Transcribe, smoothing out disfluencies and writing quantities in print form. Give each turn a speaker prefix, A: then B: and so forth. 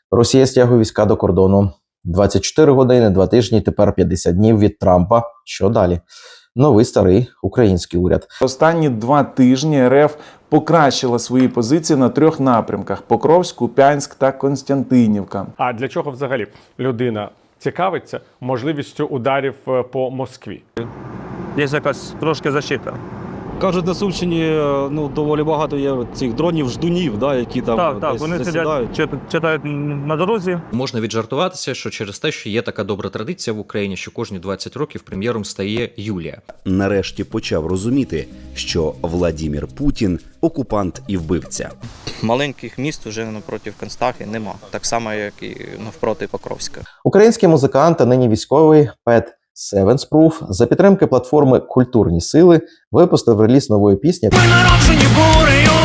A: Росія стягує війська до кордону. 24 години, 2 тижні, тепер 50 днів від Трампа. Що далі? Новий старий український уряд.
B: Останні 2 тижні РФ покращила свої позиції на 3 напрямках: Покровськ, Куп'янськ та Константинівка.
C: А для чого взагалі людина цікавиться можливістю ударів по Москві?
D: Є якась трошки защита.
E: Кажуть, на Сумщині доволі багато є цих дронів-ждунів, да, які там
D: Так,
E: десь
D: вони
E: засідають.
D: сидять, читають на дорозі.
F: Можна віджартуватися, що через те, що є така добра традиція в Україні, що кожні 20 років прем'єром стає Юлія.
G: Нарешті почав розуміти, що Владімір Путін – окупант і вбивця.
H: Маленьких міст уже напроти Констахи нема, так само, як і навпроти Покровська.
A: Український музикант, а нині військовий Пет Севенспруф за підтримки платформи «Культурні сили» випустив реліз нової пісні.
I: Ми народжені бурею,